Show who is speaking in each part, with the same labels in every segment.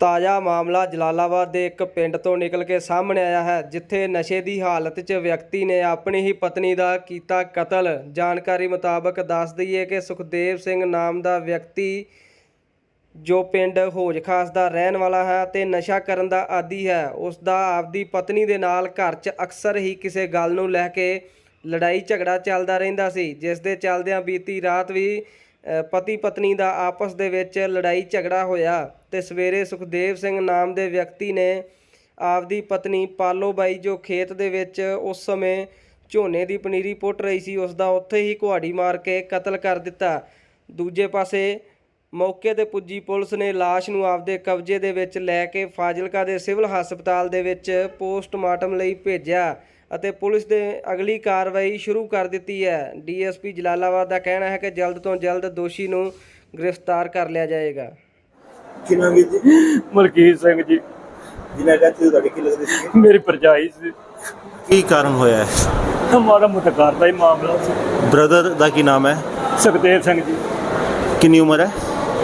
Speaker 1: ਤਾਜ਼ਾ ਮਾਮਲਾ ਜਲਾਲਾਬਾਦ ਦੇ ਇੱਕ ਪਿੰਡ ਤੋਂ ਨਿਕਲ ਕੇ ਸਾਹਮਣੇ ਆਇਆ ਹੈ, ਜਿੱਥੇ ਨਸ਼ੇ ਦੀ ਹਾਲਤ 'ਚ ਵਿਅਕਤੀ ਨੇ ਆਪਣੀ ਹੀ ਪਤਨੀ ਦਾ ਕੀਤਾ ਕਤਲ। ਜਾਣਕਾਰੀ ਮੁਤਾਬਕ ਦੱਸ ਦਈਏ ਕਿ ਸੁਖਦੇਵ ਸਿੰਘ ਨਾਮ ਦਾ ਵਿਅਕਤੀ ਜੋ ਪਿੰਡ ਹੌਜ ਖਾਸ ਦਾ ਰਹਿਣ ਵਾਲਾ ਹੈ ਤੇ ਨਸ਼ਾ ਕਰਨ ਦਾ ਆਦੀ ਹੈ, ਉਸ ਦਾ ਆਪਦੀ ਪਤਨੀ ਦੇ ਨਾਲ ਘਰ 'ਚ ਅਕਸਰ ਹੀ ਕਿਸੇ ਗੱਲ ਨੂੰ ਲੈ ਕੇ ਲੜਾਈ ਝਗੜਾ ਚੱਲਦਾ ਰਹਿੰਦਾ ਸੀ, ਜਿਸ ਦੇ ਚੱਲਦਿਆਂ ਬੀਤੀ ਰਾਤ ਵੀ ਪਤੀ ਪਤਨੀ ਦਾ ਆਪਸ ਦੇ ਵਿੱਚ ਲੜਾਈ ਝਗੜਾ ਹੋਇਆ ਤੇ ਸਵੇਰੇ ਸੁਖਦੇਵ ਸਿੰਘ ਨਾਮ ਦੇ ਵਿਅਕਤੀ ਨੇ ਆਪਦੀ ਪਤਨੀ ਪਾਲੋ ਬਾਈ ਜੋ ਖੇਤ ਦੇ ਵਿੱਚ ਉਸ ਸਮੇਂ ਝੋਨੇ ਦੀ ਪਨੀਰੀ ਪੁੱਟ ਰਹੀ ਸੀ, ਉਸ ਦਾ ਉੱਥੇ ਹੀ ਕੁਹਾੜੀ ਮਾਰ ਕੇ ਕਤਲ ਕਰ ਦਿੱਤਾ। ਦੂਜੇ ਪਾਸੇ ਮੌਕੇ ਤੇ ਪੁੱਜੀ ਪੁਲਿਸ ਨੇ ਲਾਸ਼ ਨੂੰ ਆਪਦੇ ਕਬਜ਼ੇ ਦੇ ਵਿੱਚ ਲੈ ਕੇ ਫਾਜ਼ਿਲਕਾ ਦੇ ਸਿਵਲ ਹਸਪਤਾਲ ਦੇ ਵਿੱਚ ਪੋਸਟਮਾਰਟਮ ਲਈ ਭੇਜਿਆ ਅਤੇ ਪੁਲਿਸ ਨੇ ਅਗਲੀ ਕਾਰਵਾਈ ਸ਼ੁਰੂ ਕਰ ਦਿੱਤੀ ਹੈ। ਡੀਐਸਪੀ ਜਲਾਲਾਬਾਦ ਦਾ ਕਹਿਣਾ ਹੈ ਕਿ ਜਲਦ ਤੋਂ ਜਲਦ ਦੋਸ਼ੀ ਨੂੰ ਗ੍ਰਿਫਤਾਰ ਕਰ ਲਿਆ ਜਾਏਗਾ।
Speaker 2: ਕਿੰਨਾ ਵੀ ਜੀ
Speaker 3: ਮਲਕੀਤ ਸਿੰਘ ਜੀ,
Speaker 2: ਜਿਨ੍ਹਾਂ ਦਾ ਤੁਹਾਡੇ ਕੀ ਲੱਗਦੇ ਸੀ?
Speaker 3: ਮੇਰੀ ਭਰਜਾਈ ਸੀ।
Speaker 4: ਕੀ ਕਾਰਨ ਹੋਇਆ ਹੈ?
Speaker 3: ਮਾੜਾ ਮੋਟਾ ਘਰ ਦਾ ਹੀ ਮਾਮਲਾ ਸੀ।
Speaker 4: ਬ੍ਰਦਰ ਦਾ ਕੀ ਨਾਮ ਹੈ?
Speaker 3: ਸੁਖਦੇਵ ਸਿੰਘ ਜੀ,
Speaker 4: ਕਿੰਨੀ ਉਮਰ ਹੈ?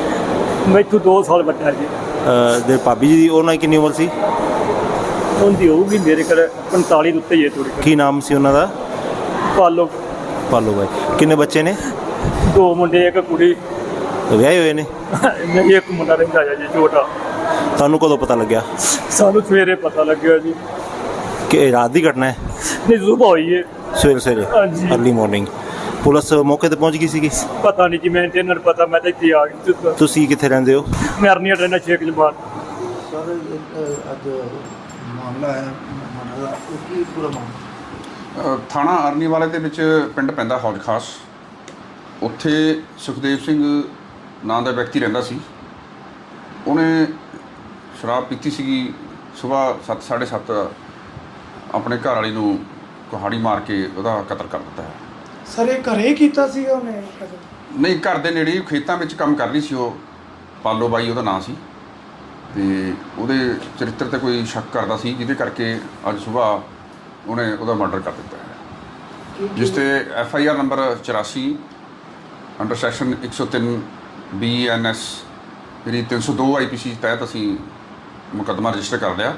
Speaker 3: ਮੈਥੋਂ 2 ਸਾਲ ਵੱਡਾ ਜੀ।
Speaker 4: ਦੇ ਭਾਬੀ ਜੀ ਦੀ ਉਹਨਾਂ ਦੀ ਕਿੰਨੀ ਉਮਰ ਸੀ?
Speaker 3: ਉਹਦੀ ਹੋਊਗੀ ਮੇਰੇ ਕੋਲ 45 ਦੇ ਉੱਤੇ ਹੀ ਹੈ ਥੋੜੀ।
Speaker 4: ਕੀ ਨਾਮ ਸੀ ਉਹਨਾਂ ਦਾ?
Speaker 3: ਪਾਲੋ
Speaker 4: ਬਾਈ। ਕਿੰਨੇ ਬੱਚੇ ਨੇ?
Speaker 3: 2 ਮੁੰਡੇ ਇੱਕ ਕੁੜੀ।
Speaker 4: ਵਿਆਹੇ ਹੋਏ ਨੇ?
Speaker 3: ਇੱਕ ਮੁੰਡਾ ਰਹਿੰਦਾ ਜੀ ਛੋਟਾ।
Speaker 4: ਤੁਹਾਨੂੰ ਕਦੋਂ ਪਤਾ ਲੱਗਿਆ?
Speaker 3: ਸਾਨੂੰ ਸਵੇਰੇ ਪਤਾ ਲੱਗਿਆ ਜੀ।
Speaker 4: ਕਿ ਇਹ ਰਾਤ ਦੀ ਘਟਨਾ ਹੈ?
Speaker 3: ਨਹੀਂ, ਸੁਬਹ ਹੋਈ ਹੈ।
Speaker 4: ਸਵੇਰੇ
Speaker 3: ਹਾਂਜੀ।
Speaker 4: ਅਰਲੀ ਮਾਰਨਿੰਗ ਪੁਲਿਸ ਮੌਕੇ ਤੇ ਪਹੁੰਚ ਗਈ ਸੀਗੀ?
Speaker 3: ਪਤਾ ਨਹੀਂ ਜੀ, ਮੈਨੂੰ ਤੇ ਇਹਨਾਂ ਨੂੰ ਪਤਾ, ਮੈਂ ਤਾਂ ਇੱਥੇ ਆ ਗਈ।
Speaker 4: ਤੁਸੀਂ ਕਿੱਥੇ ਰਹਿੰਦੇ ਹੋ?
Speaker 3: ਮੈਂ ਅਰਨੀਆ ਰਹਿਣਾ ਸ਼ੇਖ ਜਮਾਨ।
Speaker 2: ਸਰ ਅੱਜ ਮਾਮਲਾ ਹੈ ਮਾਮਲਾ ਕੀ ਪੂਰਾ ਮਾਮਲਾ?
Speaker 5: ਥਾਣਾ ਅਰਨੀ ਵਾਲੇ ਦੇ ਵਿੱਚ ਪਿੰਡ ਪੈਂਦਾ ਹੌਜ ਖਾਸ। ਉੱਥੇ ਸੁਖਦੇਵ ਸਿੰਘ ਨਾਂ ਦਾ ਵਿਅਕਤੀ ਰਹਿੰਦਾ ਸੀ। ਉਹਨੇ ਸ਼ਰਾਬ ਪੀਤੀ ਸੀਗੀ। ਸੁਬਾਹ 7 ਸਾਢੇ 7 ਆਪਣੇ ਘਰ ਵਾਲੀ ਨੂੰ ਕੁਹਾੜੀ ਮਾਰ ਕੇ ਉਹਦਾ ਕਤਲ ਕਰ ਦਿੱਤਾ ਹੈ।
Speaker 6: ਸਰ ਇਹ ਘਰੇ ਕੀਤਾ ਸੀਗਾ ਉਹਨੇ?
Speaker 5: ਨਹੀਂ, ਘਰ ਦੇ ਨੇੜੇ ਹੀ ਖੇਤਾਂ ਵਿੱਚ ਕੰਮ ਕਰ ਰਹੀ ਸੀ ਉਹ। ਪਾਲੋ ਬਾਈ ਉਹਦਾ ਨਾਂ ਸੀ ਤੇ ਉਹਦੇ ਚਰਿੱਤਰ 'ਤੇ ਕੋਈ ਸ਼ੱਕ ਕਰਦਾ ਸੀ, ਜਿਹਦੇ ਕਰਕੇ ਅੱਜ ਸੁਬਾਹ ਉਹਨੇ ਉਹਦਾ ਮਰਡਰ ਕਰ ਦਿੱਤਾ ਹੈ, ਜਿਸ 'ਤੇ FIR number 84 under section 103 BNS ਜਿਹੜੀ 302 IPC ਤਹਿਤ ਅਸੀਂ ਮੁਕੱਦਮਾ ਰਜਿਸਟਰ ਕਰ ਲਿਆ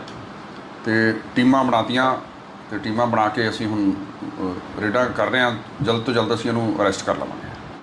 Speaker 5: ਤੇ ਟੀਮਾਂ ਬਣਾਤੀਆਂ ਤੇ ਟੀਮਾਂ ਬਣਾ ਕੇ ਅਸੀਂ ਹੁਣ ਰੇਡਾਂ ਕਰ ਰਹੇ ਹਾਂ। ਜਲਦ ਤੋਂ ਜਲਦ ਅਸੀਂ ਇਹਨੂੰ ਅਰੈਸਟ ਕਰ ਲਵਾਂਗੇ।